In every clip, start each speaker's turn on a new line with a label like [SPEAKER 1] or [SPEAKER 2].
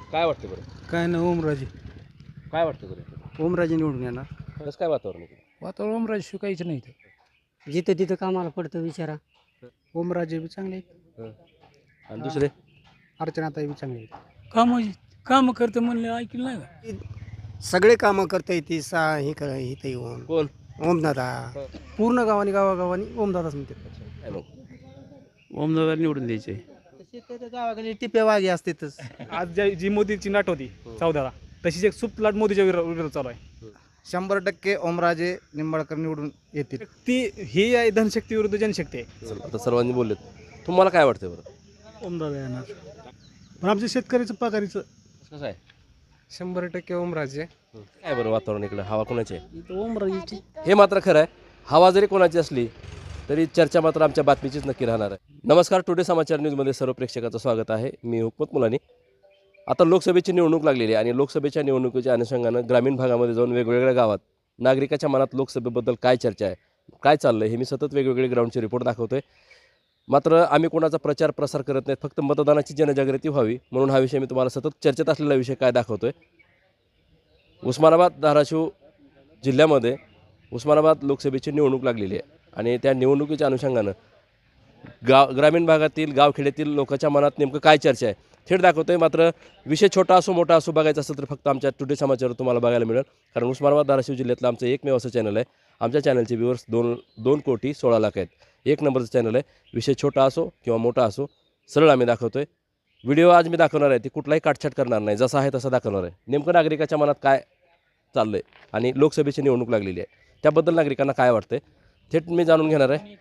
[SPEAKER 1] काय वाटतं बरं?
[SPEAKER 2] काय ना ओमराजे
[SPEAKER 1] काय वाटतं बरं?
[SPEAKER 2] ओमराजे निवडून येणार.
[SPEAKER 1] कसं काय वातावरण आहे?
[SPEAKER 2] वातावरण ओमराजे शिकायचं नाही तर
[SPEAKER 3] जिथं तिथं कामाला पडतं विचारा.
[SPEAKER 2] ओमराजे बी चांगले आहेत.
[SPEAKER 1] हं. आणि दुसरे
[SPEAKER 2] अर्चनाताई बी चांगले आहेत.
[SPEAKER 4] काम करतं म्हणलं ऐकलं नाही का?
[SPEAKER 3] सगळे कामं करता येते हे इथं येऊन
[SPEAKER 1] कोण?
[SPEAKER 3] ओमदादा
[SPEAKER 2] पूर्ण गावानी गावागावानी ओमदादाच म्हणते.
[SPEAKER 1] काय मग?
[SPEAKER 5] ओमदादा निवडून द्यायचे.
[SPEAKER 3] गावाकडे टिप्या वागे असतेच.
[SPEAKER 2] आज जी मोदीची नाट होती 14ला तशीच एक सुप्त लाट मोदीच्या विरोधात चालू आहे.
[SPEAKER 3] 100% ओमराजे निंबाळकर निवडून येतील.
[SPEAKER 2] ती ही आहे धनशक्ती विरुद्ध जनशक्ती आहे.
[SPEAKER 1] आता सर्वांनी बोललेत. तुम्हाला काय वाटतं बरं?
[SPEAKER 2] ओमदादा येणार. पण आमच्या शेतकऱ्याचं पगारीचं
[SPEAKER 1] कसं आहे?
[SPEAKER 2] 100% ओमराजे.
[SPEAKER 1] काय बरं वातावरण इकडं? हवा कोणाची आहे?
[SPEAKER 2] इथं ओमराजेची.
[SPEAKER 1] हे मात्र खरं आहे. हवा जरी कोणाची असली तरी चर्चा मात्र आमच्या बातमीचीच नक्की राहणार आहे. नमस्कार, टुडे समाचार न्यूजमध्ये सर्व प्रेक्षकाचं स्वागत आहे. मी हुकमत मुलानी. आता लोकसभेची निवडणूक लागलेली आहे आणि लोकसभेच्या निवडणुकीच्या अनुषंगानं ग्रामीण भागामध्ये जाऊन वेगवेगळ्या गावात नागरिकाच्या मनात लोकसभेबद्दल काय चर्चा आहे, काय चाललं आहे, हे मी सतत वेगवेगळे ग्राउंडचे रिपोर्ट दाखवतो आहे. मात्र आम्ही कोणाचा प्रचार प्रसार करत नाहीत, फक्त मतदानाची जनजागृती व्हावी म्हणून हा विषय मी तुम्हाला सतत चर्चेत असलेला विषय काय दाखवतो आहे. उस्मानाबाद धाराशिव जिल्ह्यामध्ये उस्मानाबाद लोकसभेची निवडणूक लागलेली आहे आणि त्या निवडणुकीच्या अनुषंगानं ग्रामीण भागातील गावखेड्यातील लोकांच्या मनात नेमकं काय चर्चा आहे थेट दाखवतो आहे. मात्र विषय छोटा असो मोठा असो बघायचा असेल तर फक्त आमच्या टुडे समाचार तुम्हाला बघायला मिळेल, कारण उस्मानाबाद धाराशिव जिल्ह्यातलं आमचं एकमेव असं चॅनल आहे. आमच्या चॅनलचे व्ह्यूअर्स 2,16,00,000 आहेत. एक नंबरचं चॅनल आहे. विषय छोटा असो किंवा मोठा असो सरळ आम्ही दाखवतो आहे. व्हिडिओ आज मी दाखवणार आहे ती कुठलाही काटछाट करणार नाही, जसा आहे तसा दाखवणार आहे. नेमकं नागरिकाच्या मनात काय चाललं आहे आणि लोकसभेची निवडणूक लागलेली आहे त्याबद्दल नागरिकांना काय वाटतंय थेट मी जाणून घेणार आहे.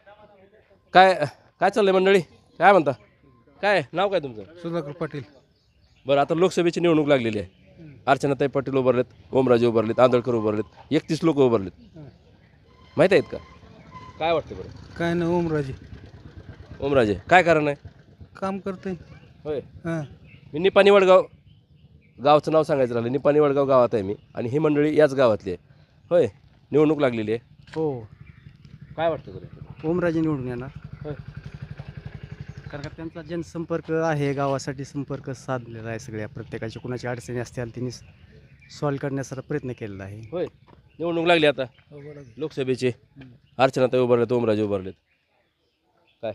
[SPEAKER 1] काय काय चाललं आहे मंडळी? काय म्हणता? काय नाव काय तुमचं?
[SPEAKER 2] सुधाकर पाटील.
[SPEAKER 1] बरं, आता लोकसभेची निवडणूक लागलेली आहे. अर्चनाताई पाटील उभारलेत, ओमराजे उभारलेत, आंदळकर उभारलेत, 31 लोक उभारलेत. माहीत आहेत का? काय वाटतं बरं?
[SPEAKER 2] काय ना ओमराजे
[SPEAKER 1] ओमराजे काय कारण आहे?
[SPEAKER 2] काम करते.
[SPEAKER 1] होय,
[SPEAKER 2] हां.
[SPEAKER 1] मी निपाणी वडगाव गावचं नाव सांगायचं राहिलं. निपाणी वडगाव गावात आहे मी आणि ही मंडळी याच गावातली आहे. होय, निवडणूक लागलेली आहे.
[SPEAKER 2] हो,
[SPEAKER 1] काय वाटतं बरं?
[SPEAKER 2] ओमराजे निवडून येणार.
[SPEAKER 1] होय.
[SPEAKER 2] कारण का त्यांचा जनसंपर्क आहे, गावासाठी संपर्क साधलेला आहे. सगळ्या प्रत्येकाची कुणाची अडचणी असतील त्यांनी सॉल्व्ह करण्याचा प्रयत्न केलेला आहे.
[SPEAKER 1] होय, निवडणूक लागली आता लोकसभेची. अर्चनाताई उभारलेत, ओमराजे उभारलेत. काय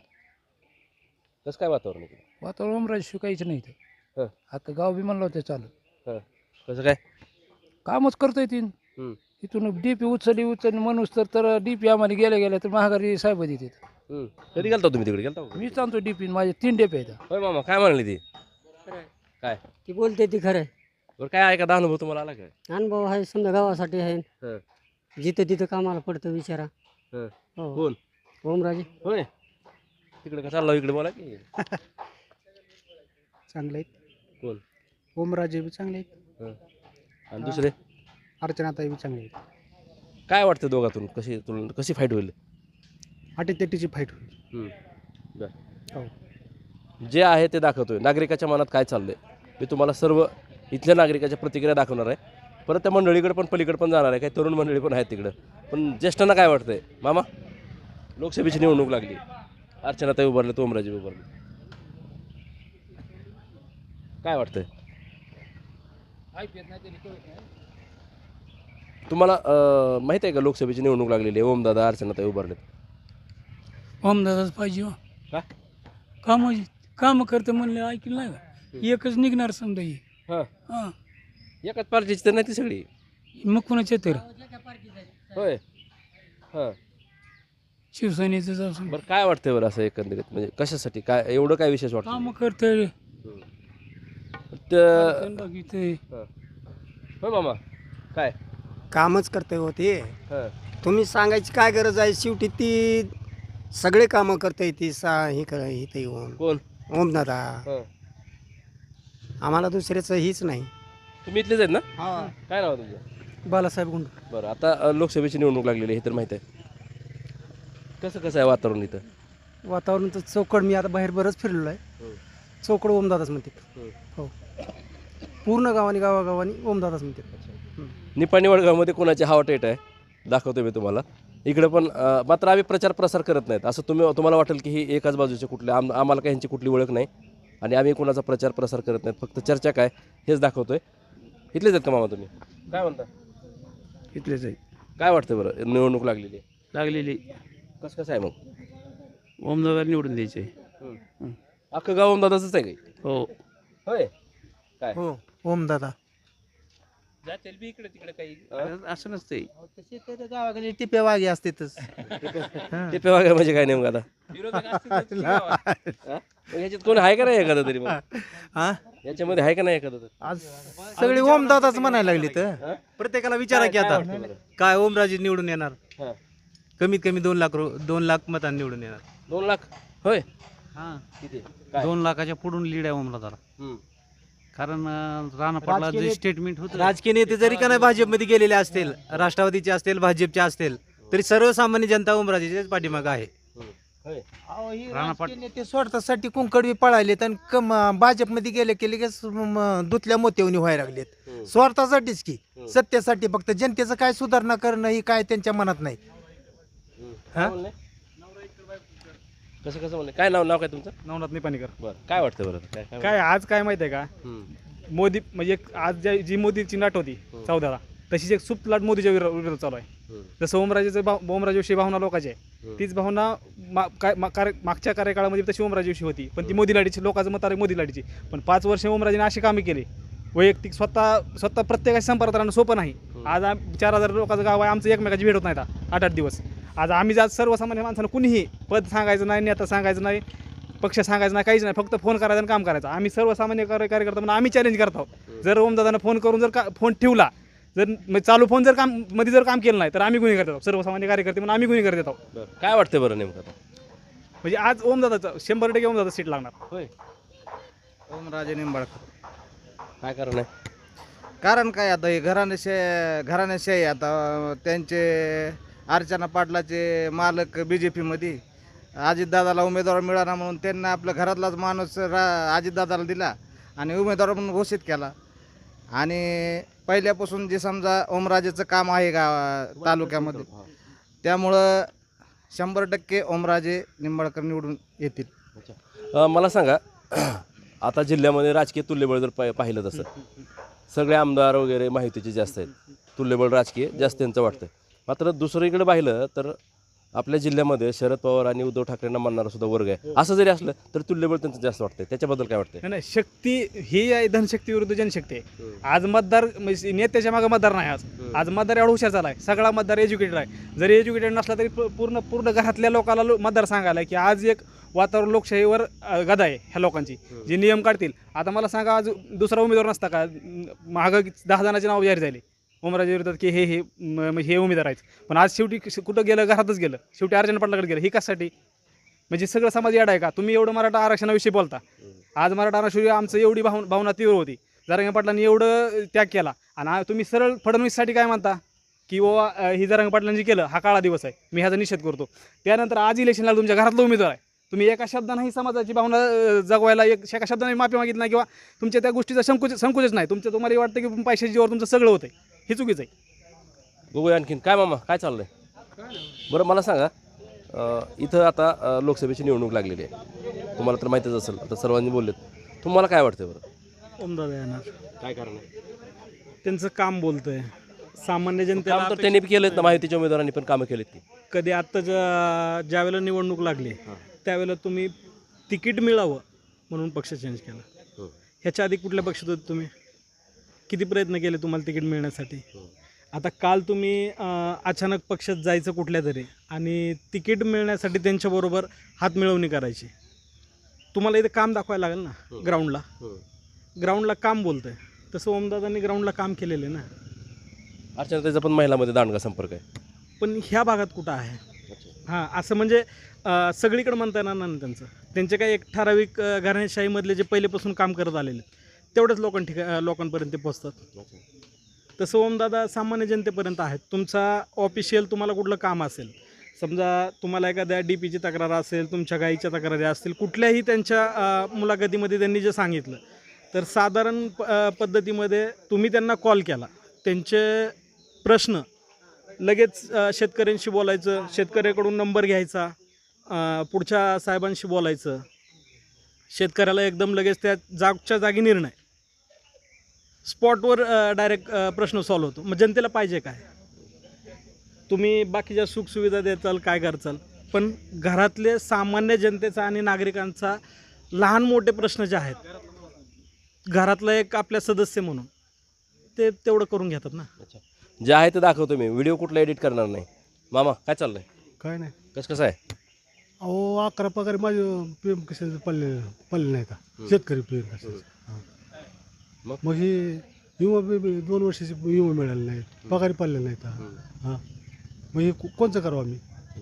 [SPEAKER 1] कसं काय वातावरण आहे?
[SPEAKER 4] वातावरण ओमराजे शिकायचं नाही तर
[SPEAKER 1] हं.
[SPEAKER 4] आता गाव बी म्हणलं होतं चालू
[SPEAKER 1] हां, कसं काय?
[SPEAKER 4] कामच करतोय तीन.
[SPEAKER 1] हं.
[SPEAKER 4] इथून डीपी उचलली म्हणूस तर डीपी आम्हाला गेल्या तर महागारी साहेब देतात.
[SPEAKER 1] कधी गेलता तुम्ही तिकडे? गेलता का?
[SPEAKER 4] मी सांगतो डीपी माझे 3 डेपे आहेत.
[SPEAKER 1] होय मामा, काय म्हणली ती? काय
[SPEAKER 3] ती बोलते ती खरं आहे.
[SPEAKER 1] बरं, काय एखादा अनुभव तुम्हाला आला काय?
[SPEAKER 3] अनुभव आहे, समजा गावासाठी आहे.
[SPEAKER 1] हं.
[SPEAKER 3] जिथं तिथं कामाला पडतं विचारा.
[SPEAKER 1] हं.
[SPEAKER 3] हो,
[SPEAKER 1] कोण?
[SPEAKER 3] ओमराजे.
[SPEAKER 1] होय, तिकडे का चालला? इकडे बोला की.
[SPEAKER 2] चांगले आहेत.
[SPEAKER 1] कोण?
[SPEAKER 2] ओमराजे बी चांगले आहेत.
[SPEAKER 1] हं. आणि दुसरे
[SPEAKER 2] अर्चनाताई बी चांगले आहेत.
[SPEAKER 1] काय वाटतं दोघातून कशी फाईट होईल?
[SPEAKER 2] अटीतटीची फाईट होईल.
[SPEAKER 1] बरं,
[SPEAKER 2] हो.
[SPEAKER 1] जे आहे ते दाखवतोय. नागरिकाच्या मनात काय चाललंय मी तुम्हाला सर्व इथल्या नागरिकाच्या प्रतिक्रिया दाखवणार आहे. परत त्या मंडळीकडे पण पलीकडे पण जाणार आहे. काही तरुण मंडळी पण आहेत तिकडं. पण ज्येष्ठांना काय वाटतंय? मामा, लोकसभेची निवडणूक लागली, अर्चनाताई उभारले, ओमराजे उभारले, काय वाटतंय तुम्हाला? माहिती आहे का लोकसभेची निवडणूक लागलेली आहे? ओमदादा, अर्चनाताई उभारलेत.
[SPEAKER 4] ओमदादाच पाहिजे हो.
[SPEAKER 1] का?
[SPEAKER 4] काम करतं म्हणलं ऐकलं नाही का? एकच निघणार समजा ही.
[SPEAKER 1] हां,
[SPEAKER 4] हां,
[SPEAKER 1] एकाच पार्टीची तर नाही ती सगळी.
[SPEAKER 4] मग कोणाचे तर
[SPEAKER 1] होय. हां,
[SPEAKER 4] शिवसेनेचं जाऊन
[SPEAKER 1] बरं, काय वाटतंय बरं असं एकंदरीत? म्हणजे कशासाठी काय एवढं काय विशेष वाटतं?
[SPEAKER 4] काम करतंय
[SPEAKER 1] होय मामा, काय?
[SPEAKER 3] कामच करते होते.
[SPEAKER 1] हां,
[SPEAKER 3] तुम्ही सांगायची काय गरज आहे? शेवटी ती सगळे कामं करता येते इथं येऊन
[SPEAKER 1] कोण?
[SPEAKER 3] ओमदादा.
[SPEAKER 1] हां,
[SPEAKER 3] आम्हाला दुसऱ्याचं हीच नाही.
[SPEAKER 1] तुम्ही इथलेच आहेत ना?
[SPEAKER 3] हा.
[SPEAKER 1] काय नाव आहे तुमचं?
[SPEAKER 2] बालासाहेब गुंड.
[SPEAKER 1] बरं, आता लोकसभेची निवडणूक लागलेली आहे हे तर माहिती आहे. कसं आहे वातावरण इथं?
[SPEAKER 2] वातावरणाचं चौकड मी आता बाहेर बरंच फिरलेलो आहे. चौकड ओमदादाच म्हणते. हो, पूर्ण गावानी गावागावानी ओमदादाच म्हणते.
[SPEAKER 1] निपाणी वडगावमध्ये कोणाची हवा टेट आहे दाखवतो मी तुम्हाला. इकडे पण मात्र आम्ही प्रचार प्रसार करत नाहीत. असं तुम्हाला वाटेल की ही एकाच बाजूचे कुठले आम्हाला काही ह्यांची कुठली ओळख नाही. आणि आम्ही कोणाचा प्रचार प्रसार करत नाहीत, फक्त चर्चा काय हेच दाखवतोय. इथलेच आहेत का मामा तुम्ही? काय म्हणता,
[SPEAKER 4] इथलेच आहे
[SPEAKER 1] काय वाटतं बरं, निवडणूक लागलेली आहे,
[SPEAKER 4] लागलेली.
[SPEAKER 1] कसं आहे मग?
[SPEAKER 4] ओमदादा निवडून द्यायचे.
[SPEAKER 1] अख्खं गाव दादाच आहे काही?
[SPEAKER 4] हो.
[SPEAKER 1] होय, काय
[SPEAKER 3] हो ओमदादा.
[SPEAKER 4] जातील बी इकडे तिकडे काही असं नसते.
[SPEAKER 3] तसे तर गावाकडे टिप्या वागे असतेच.
[SPEAKER 1] ते पेवा काय म्हणजे काय नेमकं आता? हा? मग याच्यात कोण आहे का नाही एखादं तरी? मग
[SPEAKER 3] हा
[SPEAKER 1] याच्यामध्ये आहे का नाही एखादं तरी?
[SPEAKER 3] आज सगळे ओमदादाच म्हणायला लागली तर प्रत्येकाला विचारा की आता काय ओमराजे निवडून येणार.
[SPEAKER 1] हा.
[SPEAKER 3] कमीत कमी 2 लाख मतांनी निवडून येणार.
[SPEAKER 1] 2 लाख? होय,
[SPEAKER 2] हां,
[SPEAKER 1] किती काय?
[SPEAKER 2] 2 लाखाच्या पुढून लीड आहे ओमदादाला.
[SPEAKER 1] हम्म.
[SPEAKER 2] कारण राणा पाटला जे स्टेटमेंट होतं,
[SPEAKER 3] राजकीय नेते जरी का नाही भाजपमध्ये गेलेले असतील, राष्ट्रवादीचे असतील, भाजपचे असतील, तरी सर्वसामान्य जनता ओमराजेच्याच पाठीमागं आहे.
[SPEAKER 1] होय.
[SPEAKER 2] राणा पाट-
[SPEAKER 3] नेते स्वार्थासाठी कुंकडवी पळालेत आणि भाजपमध्ये गेले की लगेच दुतल्या मोत्यावनी व्हायला लागलेत. स्वार्थासाठीच की, सत्तेसाठी. फक्त जनतेचं काय सुधारणा करणं ही काय त्यांच्या मनात नाही.
[SPEAKER 1] काय म्हणले? कसं कसं म्हणले? काय नाव काय तुमचं?
[SPEAKER 5] नवनाथ निपाणीकर.
[SPEAKER 1] बरं, काय वाटतं बरं? काय
[SPEAKER 5] काय आज काय माहिती आहे का,
[SPEAKER 1] हम्म.
[SPEAKER 5] मोदी म्हणजे आज जी मोदीची लाट होती 14ला, तशीच एक सुप्त लाट मोदीच्या विरोधात चालू आहे.
[SPEAKER 1] हम्म.
[SPEAKER 5] जसं ओमराजेविषयी भावना लोकांची आहे, तीच भावना मागच्या कार्यकाळामध्ये तशी ओमराजेविषयी होती, पण ती मोदी लाडीची, लोकांचं मत आहे मोदी लाडीची. पण 5 वर्ष ओमराजेने अशी कामे केली वैयक्तिक, स्वतः प्रत्येकाशी संपर्कात राहणं सोपं नाही. आज 4,000 लोकांचं गाव आहे, आमचं एकमेकाची भेट होत नाही 8-8 दिवस. आज आम्ही सर्वसामान्य माणसानं कुणीही पद सांगायचं नाही, नेता सांगायचं नाही, पक्ष सांगायचं नाही, काहीच नाही, फक्त फोन करायचा आणि काम करायचं. आम्ही सर्वसामान्य कार्यकर्ता म्हणून आम्ही चॅलेंज करत आहोत. जर ओमदादानं फोन करून जर फोन ठेवला, जर चालू फोन जर काम केलं नाही, तर आम्ही गुन्हे करत आहोत. सर्वसामान्य कार्यकर्ते म्हणून आम्ही गुन्हे करत आहोत.
[SPEAKER 1] बरं, काय वाटतं बरं नेमकं आता?
[SPEAKER 5] म्हणजे आज ओमदादाचं 100% ओमदादा सीट लागणार.
[SPEAKER 1] होय,
[SPEAKER 2] ओमराजे निंबाळकर.
[SPEAKER 1] काय कारण आहे?
[SPEAKER 2] कारण काय, आता हे घराण्याशाही आता त्यांचे अर्चना पाटलाचे मालक BJP अजितदादाला उमेदवार मिळाला म्हणून त्यांना आपल्या घरातलाच माणूस अजितदादाला दिला आणि उमेदवार म्हणून घोषित केला. आणि पहिल्यापासून जे समजा ओमराजेचं काम आहे तालुक्यामध्ये, त्यामुळं 100% ओमराजे निंबाळकर निवडून येतील.
[SPEAKER 1] मला सांगा, आता जिल्ह्यामध्ये राजकीय तुल्यबळ जर पाहिलं तसं सगळे आमदार वगैरे माहितीचे जास्त आहेत, तुल्यबळ राजकीय जास्त त्यांचं वाटतं. मात्र दुसरीकडे पाहिलं तर आपल्या जिल्ह्यामध्ये शरद पवार आणि उद्धव ठाकरेंना मानणारा सुद्धा वर्ग आहे. असं जरी असलं तर तुल्यबळ त्यांचं जास्त वाटतंय. त्याच्याबद्दल काय वाटतंय?
[SPEAKER 5] नाही, शक्ती ही आहे, धनशक्ती विरुद्ध जनशक्ती आहे. आज मतदार म्हणजे नेत्याच्या मागे मतदार नाही. आज मतदार एवढा हुशार झाला आहे, सगळा मतदार एज्युकेटेड आहे. जरी एज्युकेटेड नसला तरी पूर्ण घरातल्या लोकांना मतदार सांगायला की आज एक वातावरण लोकशाहीवर गदा आहे ह्या लोकांची, जे नियम काढतील. आता मला सांगा, आज दुसरा उमेदवार नसता का, मागं 10 जणांची नाव जाहीर झाली ओमराजे विरोधात की हे उमेदवार आहेत, पण आज शेवटी कुठं गेलं, घरातच गेलं, शेवटी अर्चना पाटलाकडे गेलं. ही कशासाठी? म्हणजे सगळं समाज येडा आहे का? तुम्ही एवढं मराठा आरक्षणाविषयी बोलता, आज मराठा आरक्षण आमचं एवढी भावना तीव्र होती, जरांगे पाटलांनी एवढं त्याग केला, आणि तुम्ही सरळ फडणवीससाठी काय म्हणता की बाबा ही जरांगे पाटलांनी केलं, हा काळा दिवस आहे, मी ह्याचा निषेध करतो. त्यानंतर आज इलेक्शनला तुमच्या घरातला उमेदवार आहे, तुम्ही एका शब्दाने ही समाजाची भावना जगवायला एका शब्दाने माफी मागितली नाही, किंवा तुमच्या त्या गोष्टीचा संकोचच नाही. तुम्हाला वाटतं की पैशाच्या जीवावर तुमचं सगळं होतं, हे चुकीचं आहे.
[SPEAKER 1] बघूया आणखीन काय मामा, काय चाललंय? बरं, मला सांगा, इथं आता लोकसभेची निवडणूक लागलेली आहे, तुम्हाला तर माहितीच असेल, आता सर्वांनी बोललेत. तुम्हाला काय वाटतं बरं?
[SPEAKER 5] ओमदादा येणार,
[SPEAKER 1] काय कारण आहे?
[SPEAKER 5] त्यांचं काम बोलतंय, सामान्य
[SPEAKER 1] काम तर त्यांनी केलेत ना, माहितीच्या उमेदवारांनी पण कामं केलीत की.
[SPEAKER 5] कधी आत्ता ज्यावेळेला निवडणूक लागली त्यावेळेला तुम्ही तिकीट मिळावं म्हणून पक्ष चेंज केला. ह्याच्या आधी कुठल्या पक्षात होते तुम्ही? किती प्रयत्न केले तुम्हाला तिकीट मिळण्यासाठी? आता काल तुम्ही अचानक पक्षात जायचं कुठल्या तरी आणि तिकीट मिळण्यासाठी त्यांच्याबरोबर हातमिळवणी करायची. तुम्हाला इथे काम दाखवायला लागेल ना, ग्राउंडला काम बोलतंय. तसं ओमदादांनी ग्राउंडला काम केलेलं आहे ना.
[SPEAKER 1] अर्चनाताईचा पण महिलामध्ये दांडगा संपर्क आहे,
[SPEAKER 5] पण ह्या भागात कुठं आहे? हां, असं म्हणजे सगळीकडे म्हणता येणार ना त्यांचे काही एक ठराविक घराणेशाहीमधले जे पहिलेपासून काम करत आलेले तेवढ्याच लोकांपर्यंत ते पोचतात. तसं ओमदादा सामान्य जनतेपर्यंत आहेत. तुमचा ऑफिशियल तुम्हाला कुठलं काम असेल, समजा तुम्हाला एखाद्या DPची तक्रार असेल, तुमच्या गाईच्या तक्रारी असतील, कुठल्याही त्यांच्या मुलाखतीमध्ये त्यांनी जे सांगितलं, तर साधारण पद्धतीमध्ये तुम्ही त्यांना कॉल केला, त्यांचे प्रश्न लगेच शेतकऱ्यांशी बोलायचं, शेतकऱ्याकडून नंबर घ्यायचा, पुढच्या साहेबांशी बोलायचं, शेतकऱ्याला एकदम लगेच त्या जागच्या जागी निर्णय स्पॉटवर डायरेक्ट प्रश्न सॉल्व्ह होतो. मग जनतेला पाहिजे काय? तुम्ही बाकीच्या सुखसुविधा देताल, काय करचाल, पण घरातले सामान्य जनतेचा आणि नागरिकांचा लहान मोठे प्रश्न जे आहेत घरातला एक आपल्या सदस्य म्हणून ते तेवढं करून घेतात ना.
[SPEAKER 1] अच्छा, जे आहे ते दाखवतो मी, व्हिडिओ कुठला एडिट करणार नाही. मामा काय चाललंय?
[SPEAKER 6] काय नाही.
[SPEAKER 1] कसं आहे?
[SPEAKER 6] अहो 11 पगार माझे पीएम किसान पडले नाही का, शेतकरी पीएम किसान.
[SPEAKER 1] मग?
[SPEAKER 6] मग हे विमा 2 वर्षाचे विमा मिळाले नाहीत, पगारी पडले नाहीत. हां, मग हे कोणचं करावं आम्ही?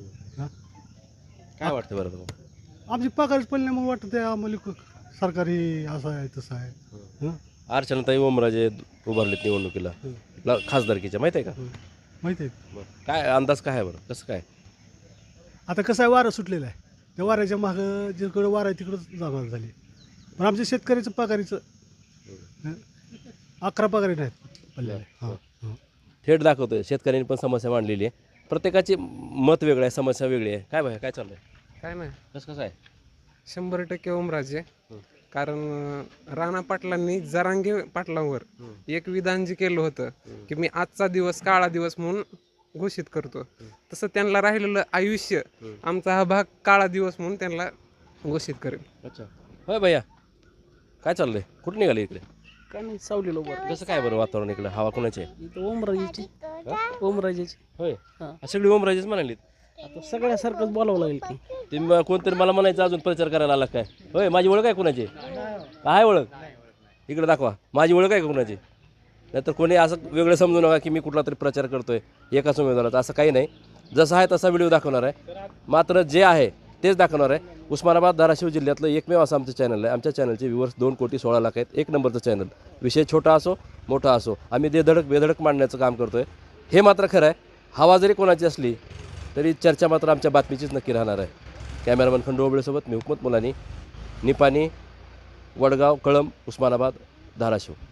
[SPEAKER 1] काय वाटतं बरं तुम्हाला?
[SPEAKER 6] आमची पगारच पडले नाही, मग वाटतं ते आम्हाला सरकारी असं आहे तसं आहे. हं?
[SPEAKER 1] अर्चनाताई ओमराजे उभारलेत निवडणुकीला खासदारकीच्या, माहिती आहे का?
[SPEAKER 6] माहिती आहे.
[SPEAKER 1] बरं. काय अंदाज काय आहे बरं, कसं काय?
[SPEAKER 6] आता कसं आहे, वारं सुटलेलं आहे, त्या वाऱ्याच्या मागं जिकडं वारं आहे तिकडंच जाणार झाली. पण आमच्या शेतकऱ्याचं पगारीचं 11 पगारी नाहीत पडलेले. हां हां.
[SPEAKER 1] थेट दाखवतोय. शेतकऱ्यांनी पण समस्या मांडलेली आहे, प्रत्येकाची मत वेगळं आहे, समस्या वेगळी आहे. काय भाई काय चाललंय?
[SPEAKER 7] काय नाही,
[SPEAKER 1] कसं आहे?
[SPEAKER 7] 100% ओमराजे. कारण राणा पाटलांनी जरांगे पाटलांवर एक विधान जे केलं होतं की मी आजचा दिवस काळा दिवस म्हणून घोषित करतो, तसं त्यांना राहिलेलं आयुष्य आमचा हा भाग काळा दिवस म्हणून त्यांना घोषित करेल.
[SPEAKER 1] अच्छा, होय भैया काय चाललंय? कुठं निघाले इकडे?
[SPEAKER 8] काय नाही, सावलीला उभं.
[SPEAKER 1] कसं काय बरं वातावरण इकडे? हवा कोणाची आहे?
[SPEAKER 8] इथं ओमराजेची ओमराजेची
[SPEAKER 1] होय,
[SPEAKER 8] हां.
[SPEAKER 1] सगळी ओमराजेच म्हणालीत.
[SPEAKER 8] आता सगळ्यासारखंच बोलावं लागेल की.
[SPEAKER 1] ते कोणतरी मला म्हणायचं अजून प्रचार करायला आला काय? होय, माझी ओळख आहे कोणाची? काय ओळख? इकडे दाखवा, माझी ओळख आहे का कोणाची? नाहीतर कोणी असं वेगळं समजू नका की मी कुठला तरी प्रचार करतोय एकाच उमेदवाराचा. असं काही नाही, जसं आहे तसा व्हिडिओ दाखवणार आहे, मात्र जे आहे तेच दाखवणार आहे. उस्मानाबाद धाराशिव जिल्ह्यातलं एकमेव असं आमचं चॅनल आहे. आमच्या चॅनलचे व्ह्यूवर्स 2,16,00,000 आहेत. एक नंबरचं चॅनल. विषय छोटा असो मोठा असो, आम्ही बेधडक मांडण्याचं काम करतो आहे. हे मात्र खरं आहे, हवा जरी कोणाची असली तरी चर्चा मात्र आमच्या बातमीचीच नक्की राहणार आहे. कॅमेरामन खंडू ओबळेसोबत मी हुकमत मुलानी, निपाणी, वडगाव, कळंब, उस्मानाबाद, धाराशिव.